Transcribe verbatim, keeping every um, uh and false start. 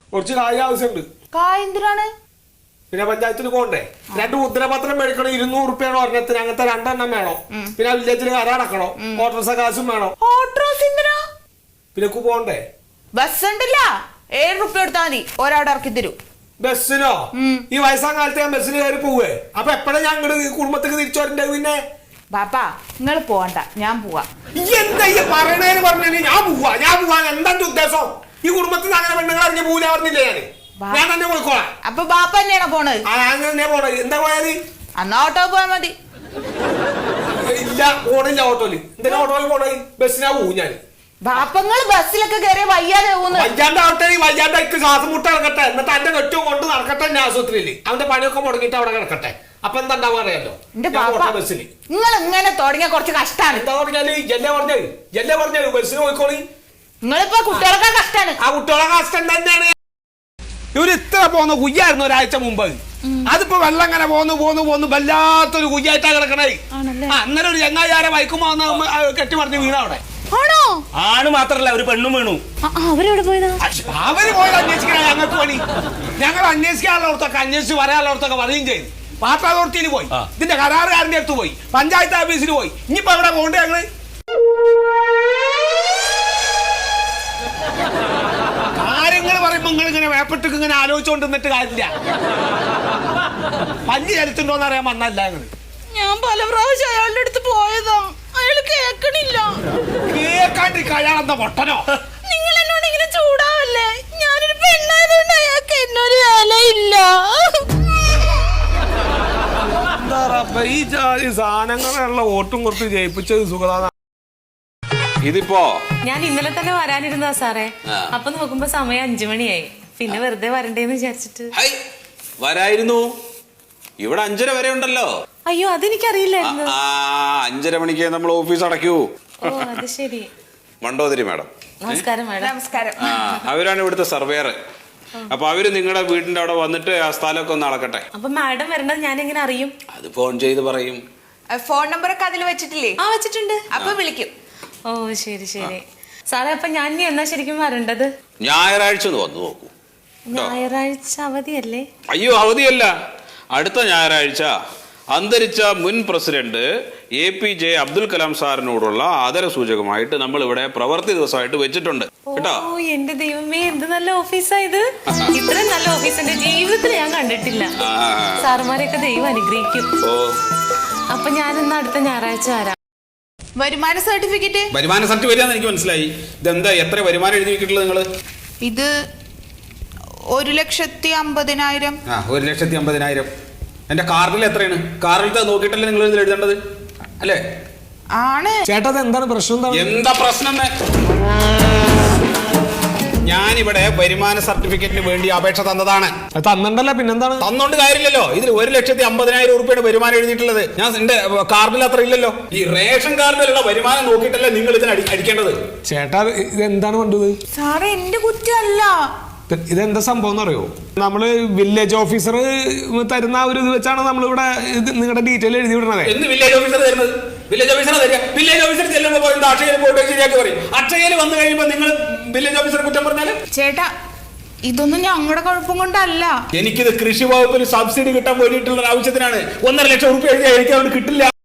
കുറച്ച് കായ് ആവശ്യമുണ്ട്. കായ് എന്തിനാണ്? പിന്നെ പഞ്ചായത്തിന് പോകണ്ടേ? രണ്ട് മുദ്രപത്രം മേടിക്കണം, ഇരുന്നൂറ് റുപ്യാണ് ഒരെണ്ണത്തിന്. അങ്ങനത്തെ രണ്ടെണ്ണം വേണം. പിന്നെ വില്ലേജിൽ കരടക്കണം, ഓട്ടോറിക്ഷ കാശും വേണം. ഓട്ടോസ് എന്തിനാ? പിന്നെ പോകണ്ടേ? ബസ് ഉണ്ടല്ല, ഏഴ് റുപ്യ എടുത്താൽ മതി, ഒരാടെ ഇറക്കി തരൂ. ബസ്സിനോ? ഈ വയസ്സാം കാലത്ത് ഞാൻ ബസ്സിന് കയറി പോവേ. അപ്പൊ എപ്പോഴാ ഞാൻ ഇങ്ങോട്ട് കുടുംബത്തേക്ക് തിരിച്ചു വരണ്ടേ? പിന്നെ ബാപ്പാ നിങ്ങൾ പോവണ്ട, ഞാൻ പോവാ. എന്താ ഈ പറയണേന്ന് പറഞ്ഞാൽ ഞാൻ പോവാ ഞാൻ പോവാ എന്താ ഉദ്ദേശം? ഈ കുടുംബത്തിൽ അങ്ങനെ പെണ്ണുങ്ങൾ അറിഞ്ഞ പോവില്ല പറഞ്ഞില്ലേ? ഞാന് ഞാൻ തന്നെ പോയിക്കോളാം. അപ്പൊ ബാപ്പ തന്നെയാണോ പോണത്? ആ ഞാൻ തന്നെ പോണത്. എന്താ പോയത്? അന്നാ ഓട്ടോ പോയാ മതി. ഇല്ല, പോണില്ല ഓട്ടോയില്. എന്തിനാ ഓട്ടോയിൽ പോണത്? ബസ്സിനാ പോവും ഞാൻ. ബാപ്പങ്ങൾ ബസ്സിലൊക്കെ കയറിയ വയ്യാതെ വയ്യാണ്ടാവട്ടെ, വയ്യാണ്ടായിട്ട് ശ്വാസം മുട്ട കിടക്കട്ടെ. എന്നിട്ട് എന്റെ കെട്ടും കൊണ്ട് നടക്കട്ടെ എന്റെ ആശുപത്രിയില്. അവന്റെ പണിയൊക്കെ മുടങ്ങിട്ട് അവിടെ കിടക്കട്ടെ. അപ്പൊ എന്താ ഉണ്ടാവുക അറിയാലോ? ബസ്സിൽ നിങ്ങൾ ഇങ്ങനെ തുടങ്ങിയ കുറച്ച് കഷ്ടാണ്. എന്താ പറഞ്ഞാല് എല്ലേ പറഞ്ഞത് എല്ലേ പറഞ്ഞത് ബസ്സിന് പോയിക്കോളി. നിങ്ങളിപ്പോ കുട്ടികളൊക്കെ കഷ്ടാണ്. ആ കുട്ടികളെ കഷ്ടം തന്നെയാണ്. ഇവര് ഇത്ര പോന്ന കുയ്യായിരുന്നു ഒരാഴ്ച മുമ്പ്. അതിപ്പോ വെള്ളം ഇങ്ങനെ പോന്നു പോന്നു പോന്നു വല്ലാത്തൊരു കുയ്യായിട്ടാ കിടക്കണേ. അന്നേരം ഒരു ചങ്ങാചാരം വൈക്കുമ്പോ കെട്ടി പറഞ്ഞ് വീണ അവിടെ. ആണോ? ആണ് മാത്രല്ല ഒരു പെണ്ണും വീണു. അവരെവിടെ പോയതാ? അവര് പോയത് അന്വേഷിക്കണ ഞങ്ങൾക്ക് പണി. ഞങ്ങൾ അന്വേഷിക്കാനുള്ളവർക്കൊക്കെ അന്വേഷിച്ച് പറയാനുള്ളവർക്കൊക്കെ പറയുകയും ചെയ്തു. വാട്ടർ അതോറിറ്റിയിൽ പോയി, ഇതിന്റെ കരാറുകാരന്റെ അടുത്ത് പോയി, പഞ്ചായത്ത് ഓഫീസിൽ പോയി. ഇനിയിപ്പോ എവിടെ പോകണ്ടേ ഞങ്ങള്? കാര്യങ്ങൾ പറയുമ്പോ നിങ്ങൾ ഇങ്ങനെ വേപ്പട്ടൊക്കെ ഇങ്ങനെ ആലോചിച്ചോണ്ട് നിന്നിട്ട് കാര്യമില്ല. പല്ല് ചരിച്ചുണ്ടോന്ന് അറിയാൻ വന്നല്ല ഞങ്ങള്. ഞാൻ പല പ്രാവശ്യം അയാളുടെ അടുത്ത് പോയതാ, അയാള് കേക്കണില്ല. കേക്കാണ്ടി അയാളെന്താ പൊട്ടനോ? നിങ്ങൾ എന്നോട് ഇങ്ങനെ ചൂടാവല്ലേ? ഞാനൊരു പെണ്ണായതുകൊണ്ട് അയാൾക്ക് എന്നൊരു വിലയില്ല. ഈ ജാതി സാധനങ്ങളുള്ള വോട്ടും കൊടുത്ത് ജയിപ്പിച്ചത് സുഖദാ. ഇതിപ്പോ ഞാൻ ഇന്നലെ തന്നെ വരാനിരുന്നതാ സാറേ. അപ്പൊ നോക്കുമ്പോ സമയം അഞ്ചു മണിയായി. പിന്നെ വെറുതെ വരണ്ടേന്ന് വിചാരിച്ചിട്ട് വരായിരുന്നു. ഇവിടെ അഞ്ചര വരെ ഉണ്ടല്ലോ. അയ്യോ അതെനിക്കറിയില്ലായിരുന്നു. ആ അഞ്ചര മണിക്ക് നമ്മൾ ഓഫീസ് അടയ്ക്കൂ. ഓ അത് ശരി. മണ്ടോദരി മാഡം. നമസ്കാരം മാഡം. നമസ്കാരം. ആ അവരാണ് ഇവിടുത്തെ സർവേയർ. അപ്പൊ അവര് നിങ്ങളുടെ വീടിന്റെ അവിടെ വന്നിട്ട് ആ സ്ഥലമൊക്കെ ഒന്ന് അളക്കട്ടെ. അപ്പൊ മാഡം വരേണ്ടത് ഞാൻ എങ്ങനെ അറിയും? അത് ഫോൺ ചെയ്ത് പറയും. ഫോൺ നമ്പറൊക്കെ അതിൽ വെച്ചിട്ടില്ലേ? ആ വെച്ചിട്ടുണ്ട്. അപ്പൊ വിളിക്കും. ഓ ശരി ശരി സാറേ. അപ്പൊ ഞാൻ ഇനി എന്നാ ശരിക്കും വരേണ്ടത്? ഞായറാഴ്ച ഒന്ന് വന്നു നോക്കൂ. ഞായറാഴ്ച അവധിയല്ലേ? അയ്യോ അവധിയല്ല, അടുത്ത ഞായറാഴ്ച അന്തരിച്ച മുൻ president A P J Abdul Kalam സാറിനോടുള്ള ആദര സൂചകമായിട്ട് നമ്മൾ ഇവിടെ പ്രവൃത്തി ദിവസമായിട്ട് വെച്ചിട്ടുണ്ട് കേട്ടോ. ഓ എന്റെ ദൈവമേ, എന്ത് നല്ല ഓഫീസാ ഇത്. ഇത്രയും നല്ല ഓഫീസ് എന്റെ ജീവിതത്തിൽ ഞാൻ കണ്ടിട്ടില്ല. സാറുമാരെയൊക്കെ ദൈവം അനുഗ്രഹിക്കും. ഓ അപ്പൊ ഞാൻ ഇന്ന് അടുത്ത ഞായറാഴ്ച വരാം. വരുമാന സർട്ടിഫിക്കറ്റ്? വരുമാന സർട്ടിഫിക്കറ്റ് എനിക്ക് മനസ്സിലായി. ഇതെന്താ എത്ര വരുമാനം എഴുതി വെക്കിട്ടുള്ളത് നിങ്ങള്? ഇത് ഒരു ലക്ഷത്തി അമ്പതിനായിരം. ആ ഒരു ലക്ഷത്തി അമ്പതിനായിരം. എന്റെ കാർഡിൽ എത്രയാണ്? കാർഡിലത്തെ നോക്കിയിട്ടല്ലേ നിങ്ങൾ ഇതിൽ എഴുതേണ്ടത് അല്ലേ? ആണ്. ചേട്ടാ എന്താണ് പ്രശ്നം? എന്താ പ്രശ്നം? ഞാനിവിടെ വരുമാന സർട്ടിഫിക്കറ്റിന് വേണ്ടി അപേക്ഷ തന്നതാണ്. തന്നിട്ടല്ല പിന്നെന്താണ്? തന്നോണ്ട് കാര്യമില്ലല്ലോ. ഇതിൽ ഒരു ലക്ഷത്തി അമ്പതിനായിരം ഉറുപ്പിയുടെ വരുമാനം എഴുതിയിട്ടുള്ളത്. ഞാൻ എന്റെ കാർഡിൽ അത്ര ഇല്ലല്ലോ. ഈ റേഷൻ കാർഡിലുള്ള വരുമാനം നോക്കിയിട്ടല്ലേ നിങ്ങൾ ഇതിന് അടിക്കേണ്ടത്. ചേട്ടാ ഇത് എന്താണ് വേണ്ടത്? സാറേ എന്റെ കുറ്റമല്ല. ഇതെന്താ സംഭവം എന്ന് അറിയോ? നമ്മള് വില്ലേജ് ഓഫീസർ തരുന്ന ഒരു ഇത് വെച്ചാണ് നമ്മളിവിടെ നിങ്ങളുടെ ഡീറ്റെയിൽ എഴുതി വിടണത്. എന്ന് വില്ലേജ് ഓഫീസർ തരുന്നത്? വില്ലേജ് ഓഫീസർ തരിക. വില്ലേജ് ഓഫീസർ ചെല്ലുമ്പോൾ പോയി അക്ഷയയിൽ പോയിട്ട് ശരിയാക്കി പറയും. അക്ഷയയിൽ വന്നു കഴിയുമ്പോൾ നിങ്ങൾ വില്ലേജ് ഓഫീസർ കുറ്റം പറഞ്ഞാല്? ചേട്ടാ ഇതൊന്നും ഞങ്ങളുടെ കുഴപ്പം കൊണ്ടല്ല. എനിക്കിത് കൃഷി വകുപ്പിൽ സബ്സിഡി കിട്ടാൻ വേണ്ടിയിട്ടുള്ള ആവശ്യത്തിനാണ്. ഒന്നര ലക്ഷം റുപ്യ എഴുതിയാൽ എനിക്ക് അതുകൊണ്ട് കിട്ടില്ല.